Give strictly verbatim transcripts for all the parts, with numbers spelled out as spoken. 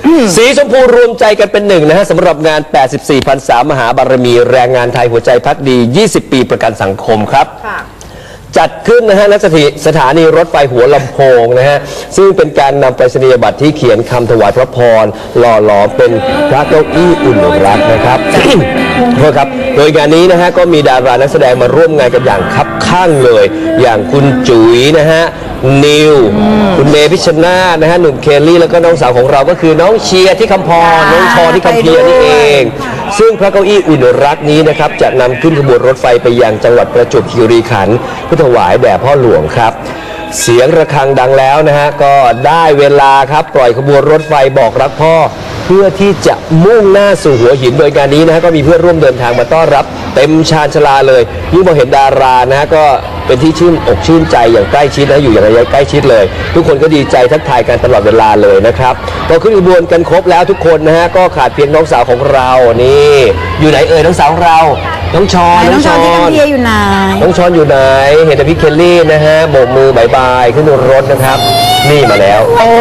สีชมพูรวมใจกันเป็นหนึ่งนะฮะสำหรับงาน แปดสิบสี่พรรษามหาบารมีแรงงานไทยหัวใจพักดี ยี่สิบ ปีประกันสังคมครับจัดขึ้นนะฮะณสถานีรถไฟหัวลำโพงนะฮะซึ่งเป็นการนำไปรษณียบัตรที่เขียนคำถวายพระพรหล่อหลอมเป็นพระเก้าอี้อุ่นรักนะครับ โทษครับโดยงานนี้นะฮะก็มีดารานักแสดงมาร่วมงานกันอย่างคับข้างเลยอย่างคุณจุ๋ยนะฮะนิวคุณเมพิชชนาธิ์นะฮะหนุ่มเคลลี่แล้วก็น้องสาวของเราก็คือน้องเชียร์ที่คำพรน้องชอที่คำเพียรนี่เองซึ่งพระเก้าอี้อุ่นรักนี้นะครับจะนำขึ้นขบวนรถไฟไปยังจังหวัดประจวบคีรีขันธ์เพื่อถวายแด่พ่อหลวงครับเสียงระฆังดังแล้วนะฮะก็ได้เวลาครับปล่อยขบวนรถไฟบอกรักพ่อเพื่อที่จะมุ่งหน้าสู่หัวหินโดยการนี้นะฮะก็มีเพื่อนร่วมเดินทางมาต้อนรับเต็มชานชลาเลยยิ่งพอเห็นดารานะฮะก็เป็นที่ชื่นอกชื่นใจอย่างใกล้ชิดนะอยู่อย่างระยะใกล้ชิดเลยทุกคนก็ดีใจทักทายกันตลอดเวลาเลยนะครับพอขึ้นขบวนกันครบแล้วทุกคนนะฮะก็ขาดเพียงน้องสาวของเรานี่อยู่ไหนเอ่ยน้องสาวของเราน้องชอนน้องชอนที่กำเพียอยู่ไหนน้องชอนอยู่ไหนเห็นแต่พี่เคลลี่นะฮะโบกมือบายบายขึ้นรถนะครับนี่มาแล้วโอ้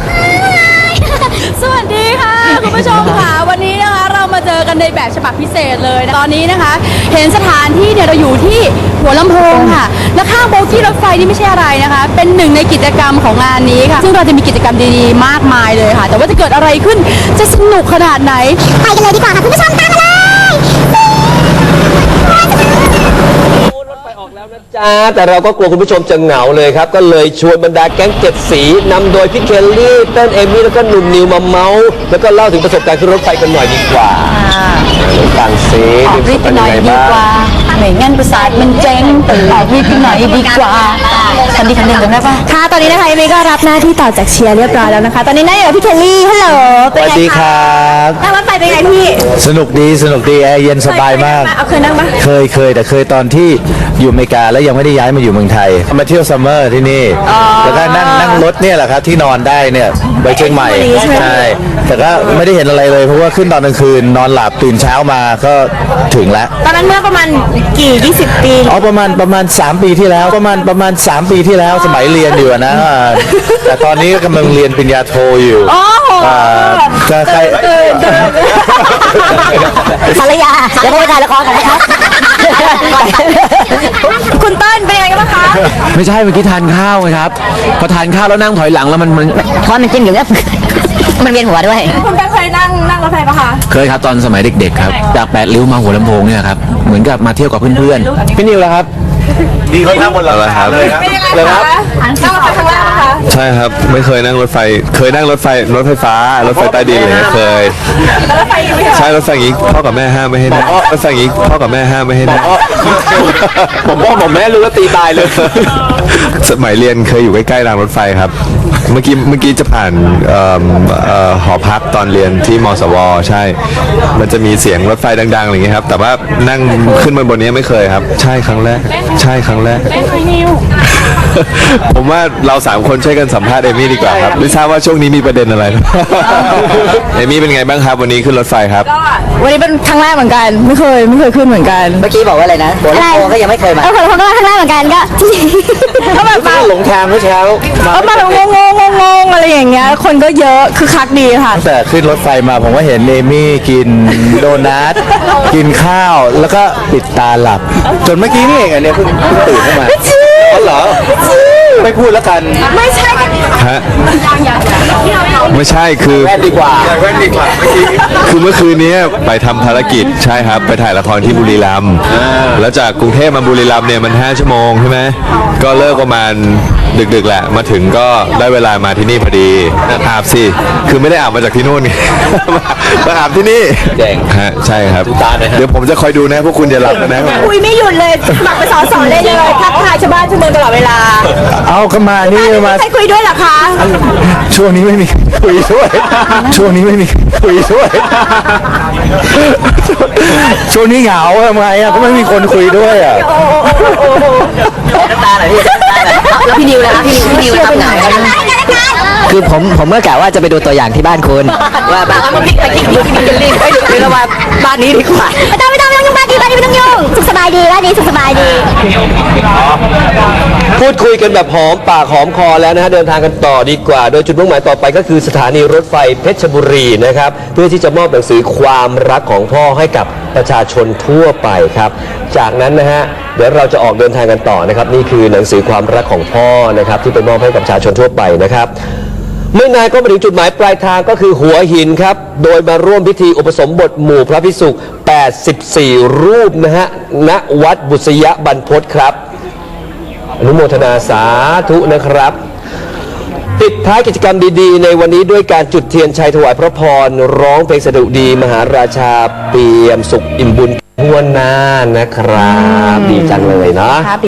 สวัสดีค่ะคุณผู้ชมค่ะวันนี้นะคะเรามาเจอกันในแบบฉบับพิเศษเลยนะตอนนี้นะคะเห็นสถานที่เนี่ยเราอยู่ที่หัวลำโพงค่ะและข้างโบกี้รถไฟนี่ไม่ใช่อะไรนะคะเป็นหนึ่งในกิจกรรมของงานนี้ค่ะซึ่งเราจะมีกิจกรรมดีๆมากมายเลยค่ะแต่ว่าจะเกิดอะไรขึ้นจะสนุกขนาดไหนไปกันเลยดีกว่าค่ะคุณผู้ชมตามมาเลยจ้าแต่เราก็กลัวคุณผู้ชมจะเหงาเลยครับก็เลยชวนบรรดาแก๊งเจ็ดสีนำโดยพี่เคลลี่เต้นเอมี่แล้วก็หนุ่มนิวมาเมาส์แล้วก็เล่าถึงประสบการณ์ขึ้นรถไฟกันหน่อยดีกว่าต่างเซออกรีบไปหน่อยดีกว่าไม่งั้นประสาทมันเจ๊งออกรีบไปหน่อยดีกว่าคันดีคันเด่นจำได้ปะค่ะตอนนี้นะคะเอมี่ก็รับหน้าที่ต่อจากเชียร์เรียบร้อยแล้วนะคะตอนนี้นั่งอยู่กับพี่เคลลี่ฮัลโหลสวัสดีครับนั่งรถไฟเป็นไงพี่สนุกดีสนุกดีแอร์เย็นสบายมากเอาเคยนั่งปะเคยเคยแต่เคยตอนที่อยู่อเมริกาแล้วยังไม่ได้ย้ายมาอยู่เมืองไทยมาเที่ยวซัมเมอร์ที่นี่แล้วก็นั่งนั่งรถเนี่ยแหละครับที่นอนได้เนี่ยไปเชียงใหม่ใช่แต่ก็ไม่ได้เห็นอะไรเลยเพราะว่าขึ้นตอนกลางคืนนอนหลับตื่นเช้ามาก็ถึงแล้วตอนนั้นเมื่อประมาณกี่ยี่สิบปีอ๋อประมาณประมาณสามปีที่แล้วประมาณประมาณสามปีที่แล้วสมัยเรียนอยู่นะแต่ตอนนี้กำลังเรียนปริญญาโทอยู่ก็ใครภรรยาเดี๋ยวไปถ่ายละครกันนะครับคุณเติ้ลเป็นยังไงกันบ้างคะไม่ใช่เมื่อกี้ทานข้าวไงครับพอทานข้าวแล้วนั่งถอยหลังแล้วมันมันทอดมันจิ้มอยู่เนี่ยมันเวียนหัวด้วยคุณเคยนั่งนั่งรถไฟปะคะเคยครับตอนสมัยเด็กๆครับจากแปดริ้วมาหัวลำโพงเนี่ยครับเหมือนกับมาเที่ยวกับเพื่อนๆพี่นิวแล้วครับดีเขานั่งบนรถไฟเลยครับเลยครับนั่งรถไฟครั้งแรกนะคะใช่ครับไม่เคยนั่งรถไฟเคยนั่งรถไฟรถไฟฟ้ารถไฟใต้ดินเลยเคยใช่รถไฟอย่างนี้พ่อกับแม่ห้ามไม่ให้นั่งรถไฟอย่างนี้พ่อกับแม่ห้ามไม่ให้นั่งผมพ่อผมแม่รู้แล้วตีตายเลยสมัยเรียนเคยอยู่ใกล้ๆรางรถไฟครับเมื่อกี้เมื่อกี้จะผ่านหอพักตอนเรียนที่มสวใช่มันจะมีเสียงรถไฟดังๆอะไรอย่างเงี้ยครับแต่ว่านั่งขึ้นมาบนนี้ไม่เคยครับใช่ครั้งแรกใช่ครั้งแรกผมว่าเราสามคนช่วยกันสัมภาษณ์เอมี่ดีกว่าครับไม่ทราบว่าช่วงนี้มีประเด็นอะไรเอมี่เป็นไงบ้างครับวันนี้ขึ้นรถไฟครับวันนี้เป็นครั้งแรกเหมือนกันไม่เคยไม่เคยขึ้นเหมือนกันเมื่อกี้บอกว่าอะไรนะหัวลำโพงก็ยังไม่เคยมาเออหัวลำโพงก็ครั้งแรกเหมือนกันก็ก็แบบมาหลงทางเมื่อเช้าเออมาแบบงงงงงอะไรอย่างเงี้ยคนก็เยอะคือคักดีค่ะแต่ขึ้นรถไฟมาผมก็เห็นเอมี่กินโดนัทกินข้าวแล้วก็ปิดตาหลับจนเมื่อกี้นี่เองอันนี้เพิ่งตื่นขึ้นมาอ๋อเหรอไม่พูดแล้วกันไม่ใช่ฮะไม่ใช่คือแว่นดีกว่าแว่นดีกว่าคือเมื่อคืนนี้ไปทำภารกิจใช่ครับไปถ่ายละครที่บุรีรัมย์แล้วจากกรุงเทพมาบุรีรัมย์เนี่ยมันห้าชั่วโมงใช่ไหมก็เลิกประมาณดึกๆแหละมาถึงก็ได้เวลามาที่นี่พอดีอาบสิคือไม่ได้อาบมาจากที่นู่นไงมาอาบที่นี่แจ้งฮะใช่ครับเดี๋ยวผมจะคอยดูนะพวกคุณอย่าหลับนะคุยไม่หยุดเลยหมักไปสอนสอนเลยเลยทักทายชาวบ้านชาวเมืองตลอดเวลาเอาเข้ามานี่มาใครคุยด้วยเหรอคะช่วงนี้ไม่มีคุยด้วยช่วงนี้ไม่มีคุยด้วยช่วงนี้เหงาทำไมอ่ะก็ไม่มีคนคุยด้วยอ่ะน้ำตาไหลพี่แล้วพี่นิวนะครับพี่นิวพี่นิวทำเหงาคือผมผมเมื่อกะว่าจะไปดูตัวอย่างที่บ้านคุณว่าบ้านมันพลิกไปพลิกมาพลิกกันรีบไปดูคือว่าบ้านนี้ดีกว่าไม่ต้องไม่ต้องไม่ต้องยุ่งบ้านนี้บ้านนี้ไม่ต้องยุ่งสุขสบายดีบ้านนี้สุขสบายดีพูดคุยกันแบบหอมปากหอมคอแล้วนะฮะเดินทางกันต่อดีกว่า โดยจุดมุ่งหมายต่อไปก็คือสถานีรถไฟเพชรบุรีนะครับเพื่อที่จะมอบหนังสือความรักของพ่อให้กับประชาชนทั่วไปครับจากนั้นนะฮะเดี๋ยวเราจะออกเดินทางกันต่อนะครับนี่คือหนังสือความรักของพ่อนะครับที่ไปมอบให้กับประชาชนทั่วไปนะครับไม่นานก็มาถึงจุดหมายปลายทางก็คือหัวหินครับโดยมาร่วมพิธีอุปสมบทหมู่พระภิกษุแปดสิบสี่รูปนะฮะณวัดบุษยบรรพตครับอนุโมทนาสาธุนะครับปิดท้ายกิจกรรมดีๆในวันนี้ด้วยการจุดเทียนชัยถวายพระพรร้องเพลงสดุดีมหาราชาเปี่ยมสุขอิ่มบุญทั่วหน้านะครับดีจังเลยเนาะ